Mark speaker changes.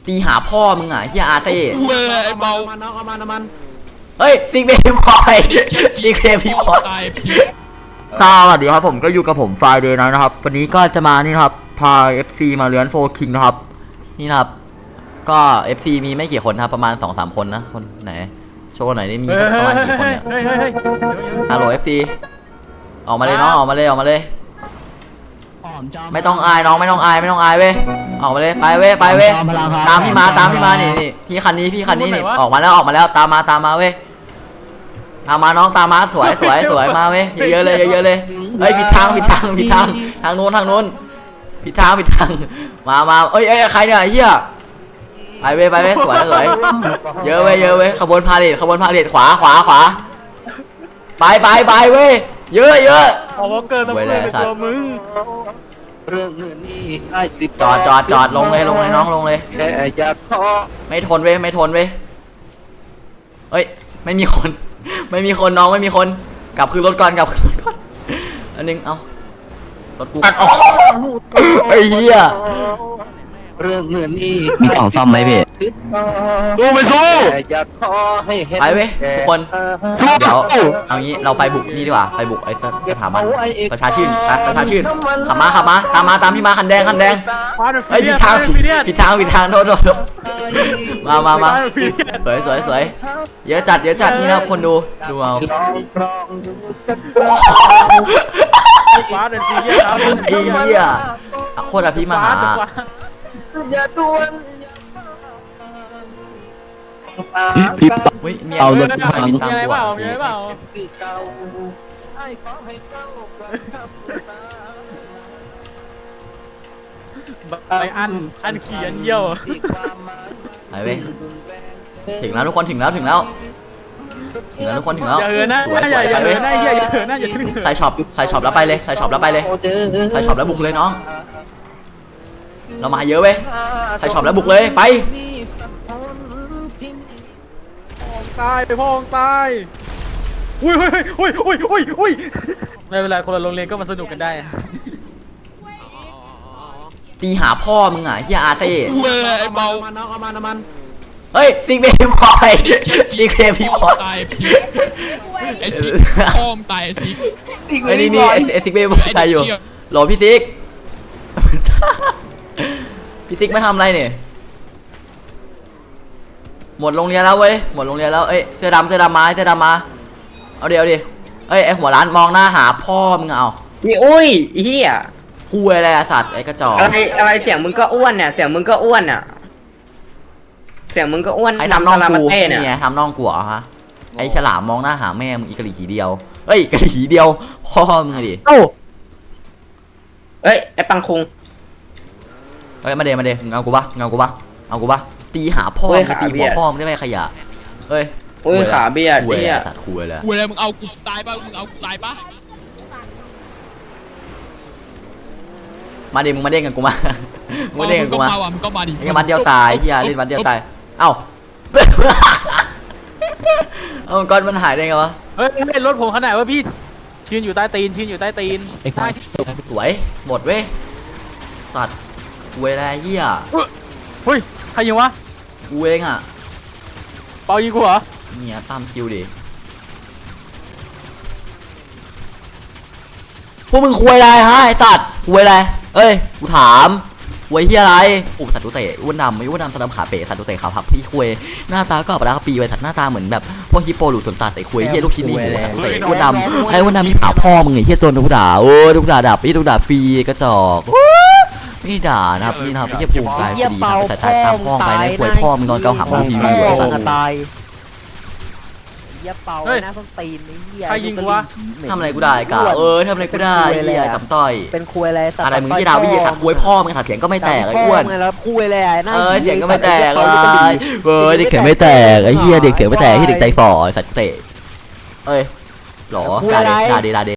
Speaker 1: ตีหาพ่อมึงอ่ะเฮียอาเซ่
Speaker 2: เว้ยเบา
Speaker 3: น้องเอามัน
Speaker 1: เฮ้ยซิกเบย์บอยซิกเบย์บอยสวัสดีครับผมก็อยู่กับผมไฟเดย์นะครับวันนี้ก็จะมานี่ครับพา FC มาเลื้อนโฟคิงนะครับนี่นะครับก็ FC มีไม่กี่คนครับประมาณ 2-3 คนนะคนไหนโชว์หน่อยได้มีประมาณกี่คนเนี่ยฮัลโหล FC ออกมาเลยน้องออกมาเลยไม่ต้องอายน้องไม่ต้องอายเว้ยออกมาเลยไปเว้ยตามพี่มานี่พี่คันนี้นี่ออกมาแล้วตามมาเว้ยตามมาน้องตามมาสวยมาเว้ยเยอะเลยเฮ้ยผิดทางทางโน้นผิดทางมาเอ้ยใครเนี่ยเฮียไปเว้ยสวยเยอะเว้ยขบวนพาเลทขวาไปเว้ยเยอะ
Speaker 3: เอาเกินตัวมึง
Speaker 2: เรื่องเงินนี่ได้
Speaker 1: จอดลงเลยน้องลงเลยไม่ทนเว้ยเฮ้ยไม่มีคนน้องไม่มีคนกลับคืนรถก่อนอันนึงเอารถกูออกไอ้เหี้ย
Speaker 2: เรื่องเงินนี่
Speaker 4: มีกล่องซ่อมไหมพี่
Speaker 1: สู้ไปเว้ยทุกคนเดี๋ยวเอางี้เราไปบุกนี่ดีกว่าไปบุกไอ้สถาบันประชาชื่นขับมาตามพี่มาคันแดงไอ้ผิดทางโทษมาสวยเยอะจัดนี่นะคนดูเอา
Speaker 3: ฟ้าเดินฟีเรียส
Speaker 1: ไอ้เหี้ยโคตรพี่มาหา
Speaker 4: พี่
Speaker 1: เอา
Speaker 4: รถ
Speaker 1: ไปบินตามกู
Speaker 3: ไปอันเขียนเยี่ยว
Speaker 1: ไปเว้ยถึงแล้วทุกคนถึงแล้วทุกคนถึงแล้ว
Speaker 3: อย่าเหินนะอย่าเหินนะอย่าถึง
Speaker 1: ใส่ช็อปแล้วไปเลยใส่ช็อปแล้วบุกเลยน้องเรามาเยอะเว้ยใส่ช็อปแล้วบุกเลยไป
Speaker 3: พ่อตายอุ้ยไม่เป็นไรคนละโรงเรียนก็มาสนุกกันได้
Speaker 1: ตีหาพ่อมึงอ่ะเฮียอาเซ่
Speaker 2: เว้ยเบา
Speaker 3: น้องเอามัน
Speaker 1: เฮ้ยซิกเบย์บอย
Speaker 2: ตายไอ้ซิกพ่อมตายไอ้ซิก
Speaker 1: ไอ้นี่ไอ้ซิกเบย์บอยตายอยู่โหลพี่ซิกไม่ทำอะไรเนี่ยหมดโรงเรียนแล้วเว้ยเอ้ยเสื้อดำมาเอาดิเอ้ยไอหัวร้านมองหน้าหาพ่อมึงเอา
Speaker 4: พี่อุ้ยเฮีย
Speaker 1: คุยอะไรสัตว์ไอกระจอก
Speaker 4: อะไรเสียงมึงก็อ้วนเนี่ยเสียงมึงก็อ้วน
Speaker 1: ใครทำน้องกูนี่ไงทำน้องกูเหรอฮะไอฉลามมองหน้าหาแม่มึงอีกะหรี่หีเดียวเอ้ยกะหรี่หีเดียวพ่อมึงดิ
Speaker 4: เอ้ยไอปังคุง
Speaker 1: เฮ้ยมาเดมึงเอากูปะตีหาพ่อมึงตีหัวพ่อมึงได้ไหมขยะเฮ้ย
Speaker 4: ขาเบียด
Speaker 1: เนี่ยสัตว์คุยเลย
Speaker 2: มึงเอากูตายปะ
Speaker 1: มาดิมึงมาเด้งกันกูมามึงก็มา
Speaker 2: ดิ
Speaker 1: ไอ้มัดเดียวตายเฮียเล่นมัดเดียวตายเอ้าก้อนมันหายได้ไงวะ
Speaker 3: เฮ้ยรถผมขนาดว่าพี่ชื่นอยู่ใต้ตีน
Speaker 1: สวยหมดเว้ยสัตว์เวลาเฮีย
Speaker 3: เฮ้ยใครยิงวะ
Speaker 1: กูเองอ่ะ
Speaker 3: เปายิงกูเหรอ
Speaker 1: เนี่ยตามคิวดิพวกมึงคุยอะไรฮะไอสัตว์คุยอะไรเอ้ยกูถามคุยที่อะไรโอ้สัตว์ตุเตะอ้วนดำสนับขาเป๋สัตว์ตุเตะขาพับพี่คุยหน้าตาก็ปลาปีไว้สัตว์หน้าตาเหมือนแบบพวกฮิปโปหลุดสนสัตว์ไอ้คุยเฮียลูกชิ้นนี่สัตว์ตุเตะอ้วนดำมีผาพ่อมึงไอ้เฮียตัวลูกด่าโอ้ลูกด่าดับลูกด่าฟรีกระจอกไม่ด่านะครับนี่นะครับพี่จะปลูกตายฟรีนะแต่ตามพ่อไปนะคุยพ่อมึงนอนเกาหักมึงทีวีไอ้สัตว์
Speaker 4: เป่านะต้องตีนนี่เหี้ย
Speaker 3: ใครยิงวะ
Speaker 1: ทำอะไรกูได้กะทำอะไรกูได้เหี้ยกับต่อย
Speaker 4: เป็นคุยอะไร
Speaker 1: มึงที่ดาวิสัตว์คุยพ่อมึงเสียงก็ไม่แตกไอ้อ้วน
Speaker 4: แล้วคุยอะไร
Speaker 1: เสียงก็ไม่แตกเลยเด็กเสียงไม่แตกไอ้เหี้ยเด็กเสียงไม่แตกที่เด็กใจฝ่อสัตว์เตะหรอด่าเด